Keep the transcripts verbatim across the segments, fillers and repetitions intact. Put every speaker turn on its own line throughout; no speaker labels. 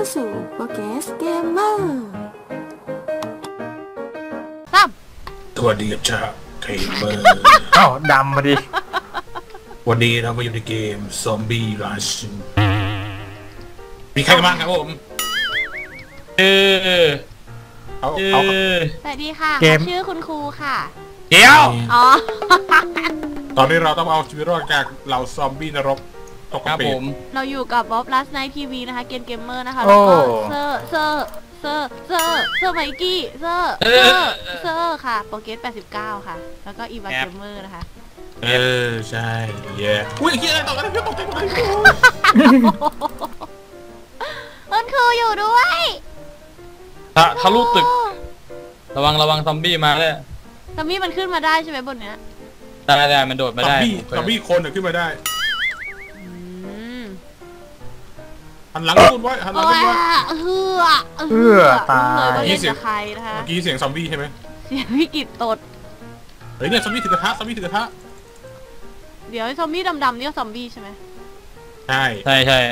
สู่โปรแกสเกมเมอร์
สวัสดีครับชาเกมเมอร์
อ้าวดำมาดิ
วันนี้เรามาอยู่ในเกมซอมบี้ราชินมีใครกันบ้างครับผม
เออ
เอาเอา
สวัสดีค่ะชื่อคุณครูค่ะ
เดี๋ยว
อ๋อ
ตอนนี้เราต้องเอาชีวิตรอดจากเหล่าซอมบี้นรกตกกระปิ
เราอยู่กับบ๊อบลัสไนท์ทีวีนะคะเกมเกมเมอร์นะคะแล้วก็เซอร์เซอร์เซอร์เซอร์เซอร์ไมกี้เซอร์เซอร์เซอร์ค่ะโปรเกสแปดสิบเก้าค่ะแล้วก็อีวาเกมเมอร์นะคะ
เออใช่เย้อุ้ยเฮียอะไรต่อกันเนี่ยตกใจหมดเลย
คุณครูอยู่ด้วย
ทะทะลุตึกระวังระวังซอมบี้มาเลย
ซอมบี้มันขึ้นมาได้ใช่ไหมบนเนี้ย
ได้ได้มันโดดมาได้
ซอมบี้ซอมบี้คนเนี่ยขึ้นมาได้หันหลังคุณไว้หันหลังคุณไว้
เฮือ
เฮือตาย
นี่เสียงใครนะคะ
เมื่อกี้เสียงซอมบี้ใช่ไหม
เสียงวิกฤตตด
เฮ้ยเนี่ยซอมบี้ถือกระทะซอมบี้ถือกระทะ
เดี๋ยวซอมบี้ดำๆนี่ก็ซอมบี้ใช่ไหม
ใช่
ใช่ใช่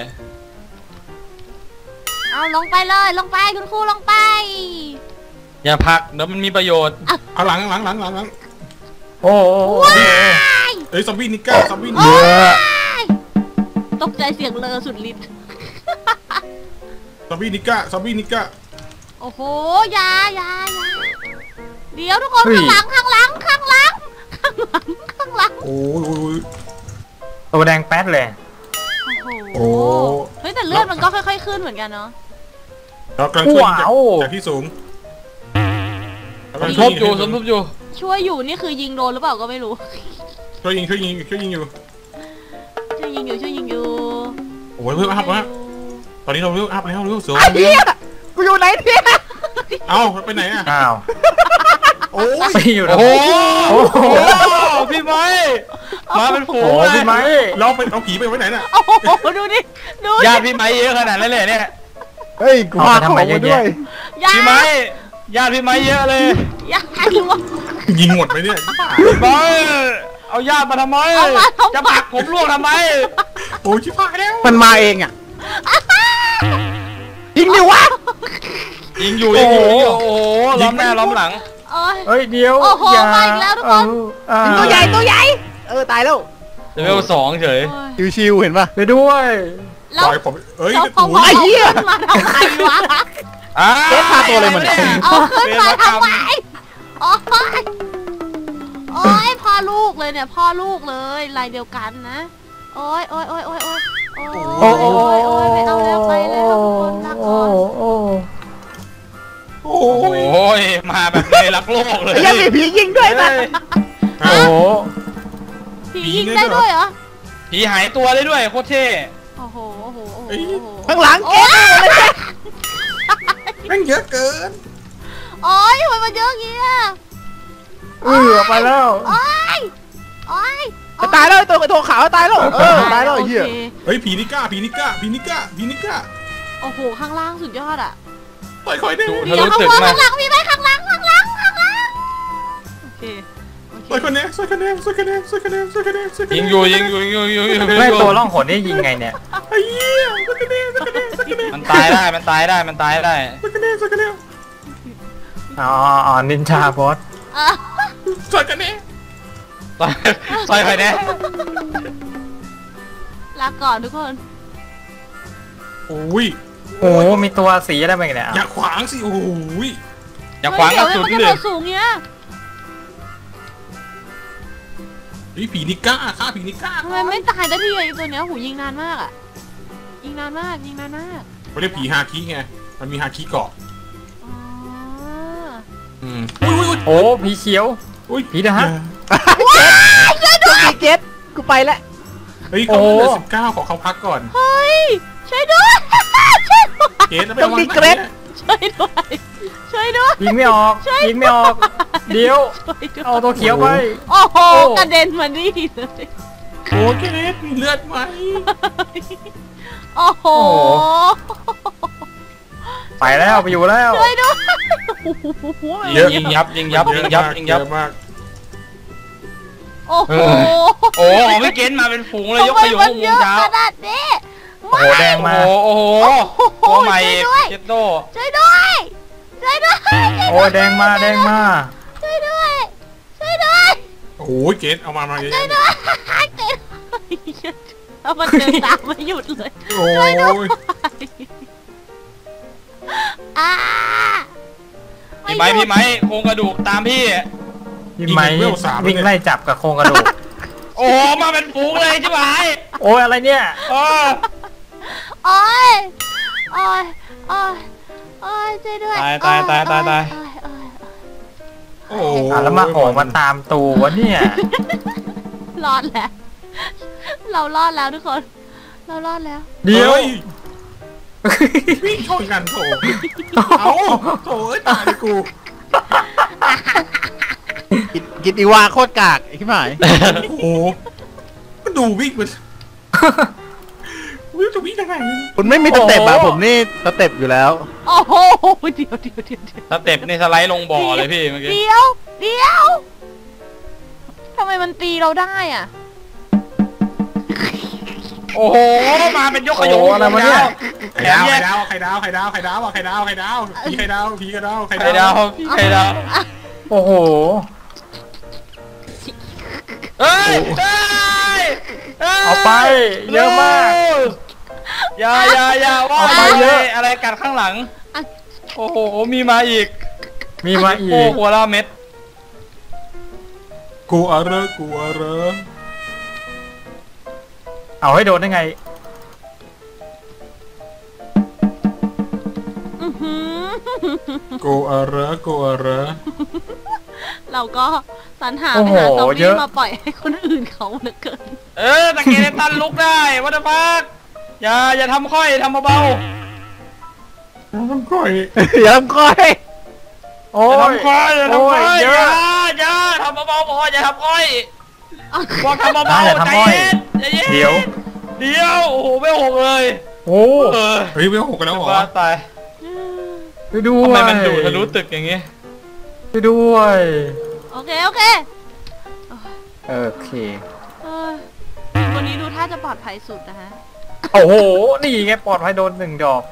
เอาลงไปเลยลงไปคุณครูลงไป
อย่าพักเดี๋ยวมันมีประโยชน์
เอาหลังหลังหลังหลังหลัง
โอ้
ย
เฮ้ยซอมบี้นิก้าซอมบี้
เยอะ
ตกใจเสียงเลอสุดฤทธิ์
ซอมบี้นิก้าซอมบี้นิก้า
โอ้โหยายายาเดี๋ยวทุกคนข้างหลังข้างหลังข้างหลังข้างหลังข้างหลัง
โอ้ย
ตัวแดงแป๊ดเลย
โอ้เฮ้ยแต่เลือดมันก็ค่อยๆขึ้นเหมือนกันเนาะ
เรากำลังช่วยจากที่สูง
สมทบอยู่สมทบอยู่
ช่วยอยู่นี่คือยิงโดนหรือเปล่าก็ไม่รู้
ช่วยยิงช่วยยิงช่วยยิงอยู่
ช่วยยิงอยู่ช่วยยิงอยู่
โอ้ยเพิ่มอัพแล้วตอนนี้เราเพิ่มอัพแล้วเพิ่มสูง
เฮียกูอยู่ไหนเนี่ย
เอ้าไปไหนอ่ะ
อ้าว
โอ้ย
อยู่
โอ้โหพี่ไม้มาเป็นฝูงเลย
พี่ไม้
เราเป็นเอาผีไปไว้ไหนน่ะ
โอ้โหดูดิดู
ญาติพี่ไม้เยอะขนาดนั้นเลยเนี่ย
เฮ้ยกูมาทำไมเยอะด้วย
พี่ไม้ญาติพี่ไม้เยอะเลย
ญาติวะ
ยิงหมดไปเนี่ย
พี่ไม้เอาญาติมาทำไมจะผลักผมล่วงทำไม
โอ้ยชิบหายแล้ว
มันมาเองอ่ะ
ยิงดิวะ
ยิงอยู่ยิงอยู่โอ้โหล้อมหน้าล้อมหลัง
เฮ้ยเดี๋ยว
โอ้โหมาอีกแล้วทุกคนตัวใหญ่ตัวใหญ่เออตายแล้ว
เลเวลสองเฉย
ชิวๆเห็นป่ะไปด้วย
ปล่อยผมเอ้ย
โอ้ยเหี้ยมาทำไมวะ
อ่าเอ๊ะพาตัวอะไรเหมือนกัน
เอาขึ้นมาทำไมโอ้ยโอ้ยพ่อลูกเลยเนี่ยพ่อลูกเลยลายเดียวกันนะโอ้ยโอ้ยโอ้ยโอ้ยโอ้ยโอ้ยโอ้ยโอ้ยไปเอาแล้วไปแล้วคนรักก่อน
โอ้ยมาแบบเลยรักโลกเลย
ยังมีผียิงด้วยป่ะ
โอ้
ผียิงได้ด้วยเหรอ
ผีหายตัวได้ด้วยโคตรเท่
โอ้โหโอ้โห
ข้างหลังเก็บ
แม่งเยอะเกิน
โอ้ยทำไมมันเยอะอย่างงี้อ่ะ
เออไปแล้ว
โอ้ยโอ้ย
ตายแล้วตัวตัวขาวตายแล้วเออตายแล้วเหี้ย
เฮ้ยผีนิก้าผีนิก้าผีนิก้าผีนิก้า
โอ้โหข้างล่างสุดยอดอ่ะ
ค่อยๆได้
เดี๋ยวข้างบนข้างหลังมีไหมข้างหลังข้างหลังข้างหลังโอเค
สวยคะแนนสวยคะแนนสวยคะแนนสวยคะแนนสวยคะแนนสวยคะแนน
ยิงอยู่ยิงอยู่ยิงอยู่ยิงอยู่
ไม่ตัวล่องหนนี่ยิงไงเนี่ย
ไอ้เหี้ยสวยคะแนนสวยคะแนนสวยคะแนน
มันตายได้มันตายได้มันตายได้
สวยคะแนนสวยคะแนน
อ๋ออ๋อนินจาบอส
สวยคะแนน
ซอยใครเนี่ย
ลาก่อนทุกคน
โอ้ย
โอ้มีตัวสีอะไรบ้างเนี่ย
อย่าขวางสิโอ้ย
อย่าขวางกระสุนเลย
สูงเนี้ย
นี่ผีนิก้าฆ่าผีนิก้า
ทำไมไม่ตายได้ที่ไอ้ตัวเนี้ยหูยิงนานมากอ่ะยิงนานมากยิงนานมาก
เขาเรียกผีฮาคิไงมันมีฮาคิเกาะ
อืมโอ้ผีเขียว
อุ้ย
ผีนะฮะ
ช่วยด้วย
เก็ตกูไปแล้ว
เฮ้ยเขาเหลือสิบเก้าขอเขาพักก่อน
เฮ้ยช่วยด้วย
เกตต้องมีเกรด
ช่วยด้วยช่วยด้วย
ยิงไม่ออกยิงไม่ออกเดี๋ยวเอาตัวเขียวไป
โอ้โหกระเด็นมานี่เลย
โอ้เกรดมีเลือดไหม
โอ้โห
ไปแล้วไปอยู่แล้ว
ช่วยด้วย
ยิงยับยิงยับยิงยับยิงยับมาก
โอ้โห
โอ้ของพี่เกณฑ์มาเป็นฝูงเลยยกไปอยู่วงเช้า
ขนาดนี้
โอ้โหแดงมา
โอ้โหโอ้โหตัวใหม่เจ็ดโด
ช่วยด้วยช่วยด้วย
โอ้ยแดงมาแดงมา
ช่วยด้วยช่วยด้วย
โอ้โหเกตเอามามาเยอะ
ช่วย
แยะ
ด้วยเกดเอามันเดินตามไม่หยุดเลย
โอ้ย
อ่า
พี่ไม้พี่ไม้โครงกระดูกตามพี่
พี่ไม้วิ่งไล่จับกับโครงกระดูก
โอ้โหมาเป็นฝูงเลยใช่ไหม
โอ้ยอะไรเนี่ย
เออ
โอ้ยโอ้ยโอ้ยโอ้ยช่วยด้วย
ตายตายตายตายตาย
โอ้โอ้ย
โอ้โห
อ่ะแล้วมาโหมาตามตูวะเนี่ย
รอดแล้ว เรารอดแล้วทุกคน เรารอดแล้ว
เดี๋ยว
ฮ้วิ่งชนกันโถเอาโถเอ้ยตายเลยกู
กินกินอีวาโคตรกากไอ้ขี้หมาย
โอ้โหก็ดูวิ่งมันวิ่งจะวิ่งยังไง
คุณไม่มีสเต็ปอะผมนี่สเต็ปอยู่แล้ว
โอ้โหเดี๋ยวเดี๋ยวเดี๋ยวเดี๋ยว
สเต็ปนี่สไลด์ลงบ่อเลยพี่เมื่อกี้
เดี๋ยวเดี๋ยวทำไมมันตีเราได้อ่ะ
โอ้โหมาเป็นยกขยง
โอ้อะไรวะเนี่ย
ไข่ดาวไข่ดาวไข่ดาวไข่ดาวไข่ดาวไข่ดาวไข่ดาวผีไข่ดาวผีไข่ดาวไข่
ไข่ดาวพี่ไข่ดาว
โอ้โห
เฮ้ยเฮ้ย
เอาไปเยอะมาก
อย่าอย่าอย่าว่า
เอาไปเยอะ
อะไรกัดข้างหลัง โอ้โหมีมาอีก
มีมาอี
โอ้
ก
หัวละเม็ด
กูอะไรกูอะไร
เอาให้โดนได้ไง
อื้อหือ
กูอะไรกูอะไร
เราก็สรรหา
โอ้
ไป
โห
หาซอม
เย
บี้
อะ
มาปล่อยให้คนอื่นเขาเหลือเกิน
เออตะเกียบตันลุกได้วัตพักอย่าอย่าทำค่อยทำเบา
มันก้อย
อย่าทำก้อย
โอ้
ๆอย่าย ทำค่อยอย่า
โอ้
ทำค่
ย
อย
เย
อ
อะ
ย่าอย่าทำเบาๆพออย่าทำค่อยบอกทำ
ได้
เบา
อย่า
ๆใจ
ทำค่อย
เย็นใจเย็น
เดี๋ยว
เดี๋ยวโอ้โหไม่หกเลย
โอ้
เออ
เฮ้ยไม่หกกันแล้วเหรอ
บ้าตาย
ไปดู
ทำไมมันดูทะลุตึกอย่างงี้
ไปด้วย
โอเคโอเค
โอเค
เออวันนี้ดูท่าจะปลอดภัยสุดนะฮะ
โอ้โห นี่ไงปลอดภัยโดนหนึ่งดอก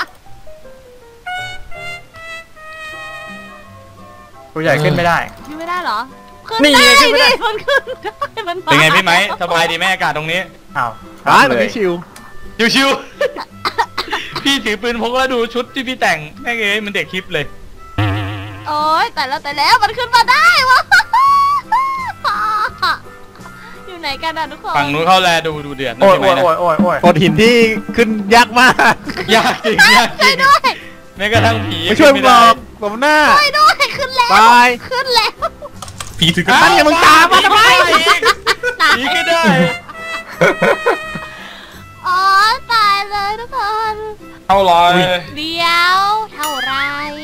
ตัวใหญ่ขึ้นไม่ได้
ขึ้นไม่ได้เหรอ ขึ้น
นี่
ได้
ไงขึ้นไม่ได้
ดิมันขึ้นได้มันมา
เป็นไงพี่ไหมสบายดีไหมอากาศตรงนี้
อ้าว
ร้าน
เล
มัน
ย
ไม่ชิว
ชิวๆ พี่ถือปืนพกแล้วดูชุดที่พี่แต่งแม่งเอ้ยมันเด็กคลิปเลย
โอ๊ยแต่แล้วแต่แล้วมันขึ้นมาได้วะ อยู่ไหนกันอะทุกคน
ฝั่งนู้นเข้าแลดูดูเดือดนะ
โอ้ย
พี่ไหม
โอ้ย
นะ
โอ้ยโอ้ยโอ้ย
โขดหินที่ขึ้นยากมาก
ยากจริงยากจริง
ด้วย
แม้กระทั่งผี
ไม่ช่วยมึงหร
ได้
อกผมหน้า
ช่วยด้วยขึ้นแล้ว
ตาย
ขึ้นแล้ว
ผีถือกระ
อั
ต่าน ย
อย่ามึงตามมาทำไม
ผีก็ได้
อ๋อตายเลยทุกคน
เท่าไร
เดี๋ยวเท่าไร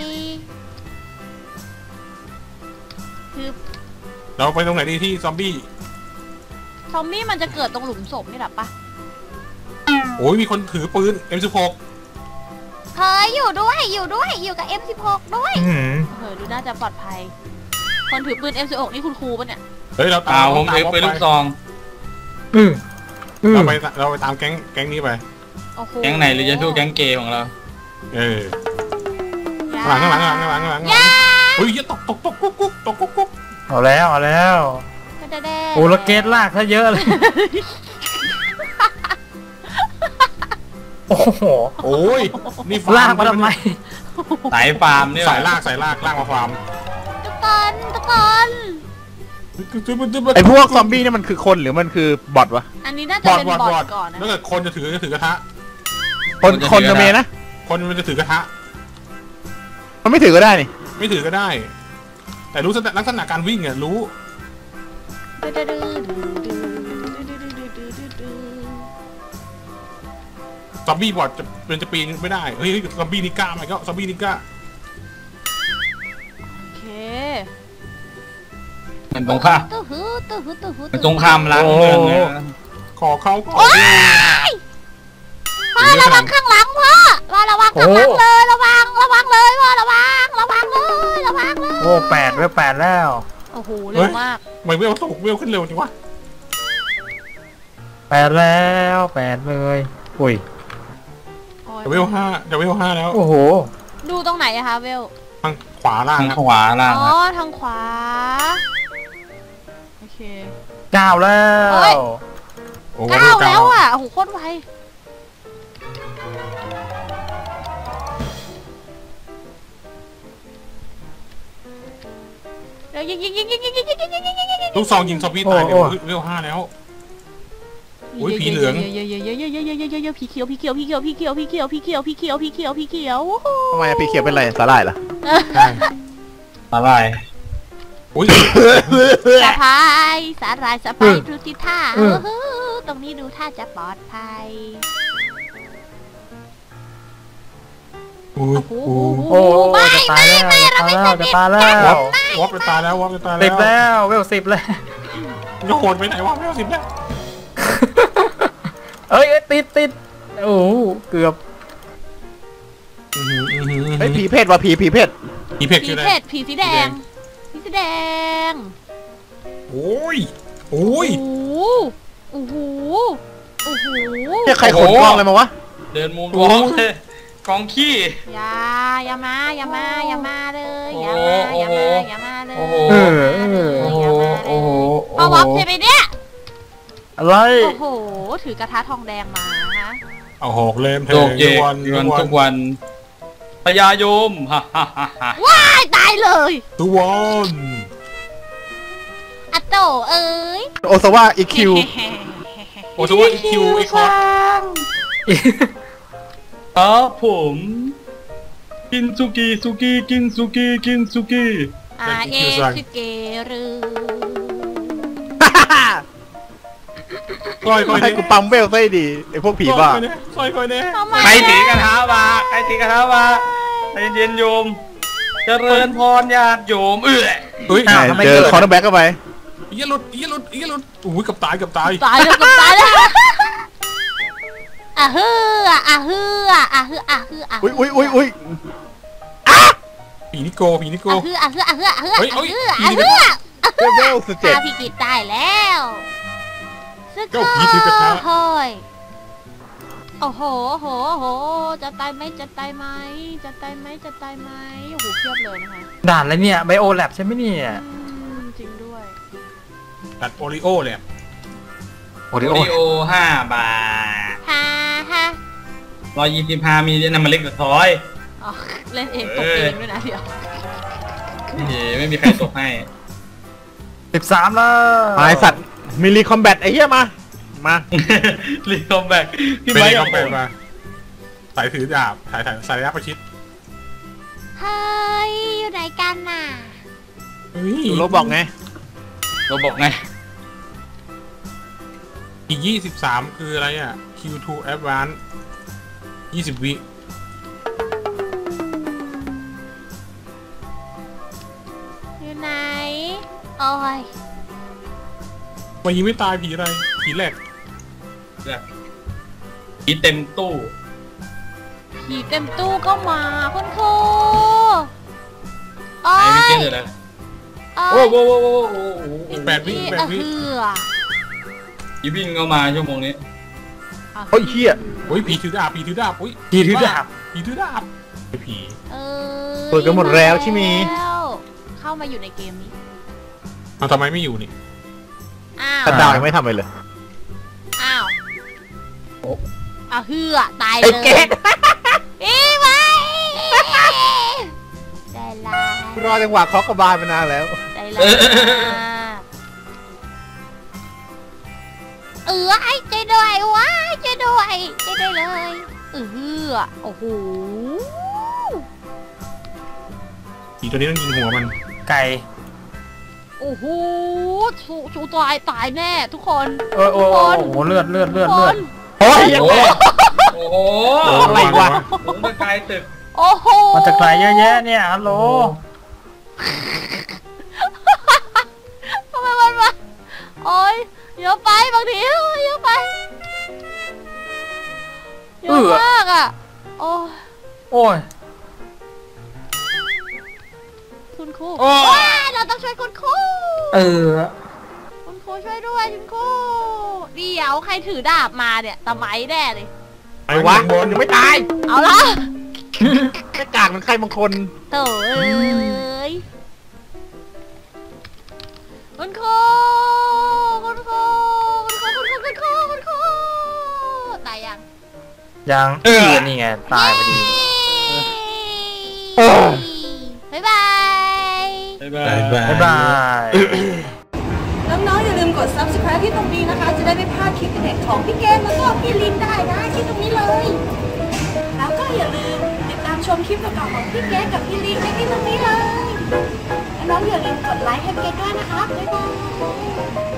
คือ
เราไปตรงไหนดีที่ซอมบี้
ซอมบี้มันจะเกิดตรงหลุมศพนี่แหละปะ
โอ้ยมีคนถือปืน เอ็ม สิบหก
เฮ้ยอยู่ด้วยอยู่ด้วยอยู่กับ เอ็ม สิบหก ด้วย
อื้อหือ
เฮ้ยดูน่าจะปลอดภัย คนถือปืน เอ็ม สิบหก นี่คุณครูปะเนี่ย
เฮ้ยเรา
เป
ตา
ล่าม ผมถือปืนลูกซอง
อืออือ
เราไปเราไปตามแก๊งแก๊งนี้ไป
โอ้โห
แก๊งไหนหรือจะสู้แก๊งเกย์ของเรา
เออข้างหลังข้างหลังข้างหลังข้างหลังข้างหลังเฮ้ยตกตกตกกุ๊กกุ๊กตกกุ๊กกุ๊ก
เอาแล้วเอาแล้ว
แดๆ
โอ้และเกตลากซะเยอะเลย โอ้โห
โอ้ยนี่
ลากมาทำไม
สายฟาร์มเนี่ย
สายลากสายลากลากมาฟาร์ม
ทุกคนทุกคน
ไอพวกซอมบี้เนี่ยมันคือคนหรือมันคือบอทวะ
อันนี้น่าจะ
บอด
เป็น
บอด
บอ
บอด
ดก่อนนะ
ถ้าเกิดคนจะถือจะถือกระทะ
คนคนจะเมนะ
คนมันจะถือกระทะ
มันไม่ถือก็ได้นี่
ไม่ถือก็ได้ แต่รู้ลักษณะการวิ่งอ่ะรู้ซอมบี้บอดจะเป็นจะปีนไม่ได้เฮ้ยซอมบี้นิก้าไหมก็ซอมบี้นิก้า
โอเค
มันตรงข้าม
ตู้หูตู้หูตู้หู
มันตรงข้ามล้างเมืองเลยนะ
ขอเขาขอ
พ่อระวังข้างหลังพ่อพ่อระวังข้างหลังเลยระวังระวังเลยพ่อระวังระวังเลยระวังเลย
โอ้แปดเว้ยแปดแล้ว
โอ้โหเร็วมาก
ไม่เวลตกเวลขึ้นเร็วจริงวะ
แปดแล้วแปดเลย อุ้ย
จะเวลห้าจะเวลห้าแล้ว
โอ้โห
ดูตรงไหนอะคะเวล
ทางขวาล่าง
ทาง
ครับ
ขวาล่าง
อ๋อ
ครับ
ทางขวา โอเค
เก้าแล้
เฮ้ย
ว
โอ้
เก้าแล้วอ่ะโอ้โหโคตรไวเดี๋ยวยิงยิงยิงยิงยิงยิงยิงยิงยิงยิงยิงยิง
ลูกซองยิงซอมบี้ตายเดี๋ยวเวลห้าแล้ว โอ้ยผีเหลือง
เยอะเยอะเยอะเยอะเยอะเยอะเยอะเยอะผีเขียวผีเขียวผีเขียวผีเขียวผีเขียวผีเขียวผีเขียวผีเขียวผีเขียวโอ้โห
ทำไมพี่เขียวเป็นไรสาหร่ายเหรอ
ใช่
อะไร
โอ้ย
สะพายสาหร่ายสะพายดูที่ท่าเออตรงนี้ดูท่าจะปลอดภัย
โอ้ย
โอ้
โอ้
โห
โอ้
ไม่
จะตายแล้วจะตายแล้วจะตายแล้ว
วอปไปตายแล้ววอปไปตาย
สิบ
แล้ว
แล้วเวลสิบแล้ว
จะโหดไปไหนวะเวลสิบแล้ว
เอ้ยเอ้ยติดติดโอ้โหเกือบ
เฮ้ยผีเพศว่ะผีผีเพศ
ผีเพก
ผี
ชื่ออะไร
เพชรผีสีแดงผีสีแดง
โอ้ยโอ้ย
โอ้โหโอ้โห
เนี่ยใครขนกล้องอะไรมาวะ
เดินมุมวอล์กเลยกองขี้
อย่าอย่ามาอย่ามาอย่ามาเลย
โอ้
อย่า
โห
มาอย่ามาอย่ามาเลย
โอ้โห
เออเออ
โอ้โหโอ้โห
พอวับใช่ไหมเนี่ย
อะไร
โอ้โหถือกระทะทองแดงมาฮะ
เอาหอกเล่มเท
โลกเย
ทุก
ก
วัน
วัน
ทุ
ทุ
ก
ก
วัน
วันพญายมฮ่าฮ่าฮ่าฮ่า
ว้ายตายเลย
ทุกวัน
อะโตเอ้ย
โอซาวะอีคิว
โอ้ทุกวันอีคิวไอคอร์ด
อ๋อผมกินสุกี้สุกี้กินสุกี้กินสุกี้
อาเอสเกรึ
ซอยคอย
ให้กูปั๊มเวลซะดีไอพวกผีบ้า
ซอยคอยเน่
ทำไม
ใครถือกระทะมาใครถือกระทะมาใจเย็นโยมเจริญพรญาติโยมเอื้อ
เฮ้ย
อ้าวทำไม
เจอ
เกิด
คอร์นแบ็กเข้าไป
อีหลุดอีหลุดอีหลุดโอ้ยกับตายกับตาย
ตายแล้วกับตายแล้วอ่ะฮืออ่ะฮืออ่ะฮืออ่ะฮืออ่ะ
อุ้ยอุ้ยอุ้ยอุ้ย
ผีนิโกผีนิโก
อ่ะฮืออ่ะฮืออ่ะฮืออ่ะฮือ
เฮ้ย
อ่ะ
เฮ้ย
ฮืออ่ะ
ผีนิ
ฮื
โก
อ
เวลสิบเจ็ด
ฆ่าพี่กิตได้แล้วสุด
เจ้าผีถือกระทะ
เฮ้ยโอ้โหโอ้โหโอ้โหจะตายไหมจะตายไหมจะตายไหมจะตายไหมโอ้โหเพียบเลยนะคะ
ด่านอะไรเนี่ยไบโอแลบใช่ไหมเนี่ย
อืมจริงด้วย
ตัดโอริโอเลย
โอ
โอ
ริโอ
ริโอห้าบาท
ฮ่าฮ่า
ร้อยยี่สิบห้ามีน้ำมันเล็กกับทอย
อ๋อเล่นเองตกเองด้วยนะเดี๋ยว
นี่ไม่มีใครตกให้
สิบสามแล้ว
ไอสัตว์มิลลีคอมแบทไอ้เหี้ยมา มา
รีคอมแบกพี่
เป็น
ไม้
ไง
เอา
ก็
ไป
เป็นมาสายถือดาบสายสายสายระยะประชิด
เฮ้ยอยู่ไหนกันน่ะ
ดูโรบอกไง
เราบอกไง
อีกยี่สิบสามคืออะไรอ่ะ คิว ทู Advance ยี่สิบวิ
อยู่ไหนโอ้ย
มันยิงไม่ตายผีอะไร ผีแหลก
ผีเต็มตู้
ผีเต็มตู้ก็มาคุณครูโอ้
ไอ้ไม่
ย
เจอเลย
โอ้
โอ้
ย
โหโอ้โหโอ้โหโอ้โห
แปดวิแปดวิ
เหือ
ผีวิ่งเข้ามาชั่วโมงนี้
โอ้ยเหี้ย
โอ้ยผีถือดาบผีถือดาบอุ้ย
ผีถือดาบ
ผีถือดาบไอ้ผี
เออ
เปิดกันหมดแล้วใช่ไหม
แล้วเข้ามาอยู่ในเกมนี้
เอาทำไมไม่อยู่นี่
อ้าว
กระดาวยังไม่ทำอะไรเลย
อ้าวอ้าวเหือตาย
ไอ้
เลย
เก๊ก
อีไว้ได้ละ
รอจังหวะเคาะกระบาลมานานแล้ว
ได้ละเออไอ้ใจด้วยว้ายใจด้วยใจด้วยเลยเออโอ้โห
ผีตัวนี้ต้องยิงหัวมัน
ไก่
โอ้โหชูชูตายตายแน่ทุกคน
โอ้ยโอ้ยโอ้ยโอ้โหเลือดเลือดเลือด
ทุก
เลื
ค
อด
น
โอ้ย
โอ้โหโอ้โห
อะไรวะ
หลงไปไกลตึก
โอ้โห
มันจะไกลเยอะแยะเนี่ยฮัลโหล
ทำไมมันมาโอ้ยเยอะไปบางทีเยอะไปเยอะมากอ่ะโอ้ย
โอ้ย
คุณครู
โอ้
ว้ายเราต้องช่วยคุณครู
เออ
คุณครูช่วยด้วยคุณครูเดี๋ยวใครถือดาบมาเนี่ยตะไม้แน่เลย
ไอ้วะมันยังไม่ตาย
เอาละ
แค่กากมันใครบางคน
โถ่เอ้ยคุณครูคุณครูคุณครูคุณครูคุณครูคุณครูตายยัง
ยังเออนี่ไงตายพอดี
บ๊ายบาย
บ๊ายบา
บาย ยบาย
บ๊ายบาย
น้องๆอย่าลืมกด ซับสไครบ์ ที่ตรงนี้นะคะ จะได้ไม่พลาดคลิปเด็ดของพี่เกมแล้วก็พี่ลินได้นะที่ตรงนี้เลย แล้วก็อย่าลืมติดตามชมคลิปเก่าๆของพี่เกมกับพี่ลินได้ที่ตรงนี้เลยและน้องอย่าลืมกดไลค์ให้เกมด้วยนะคะบ๊ายบาย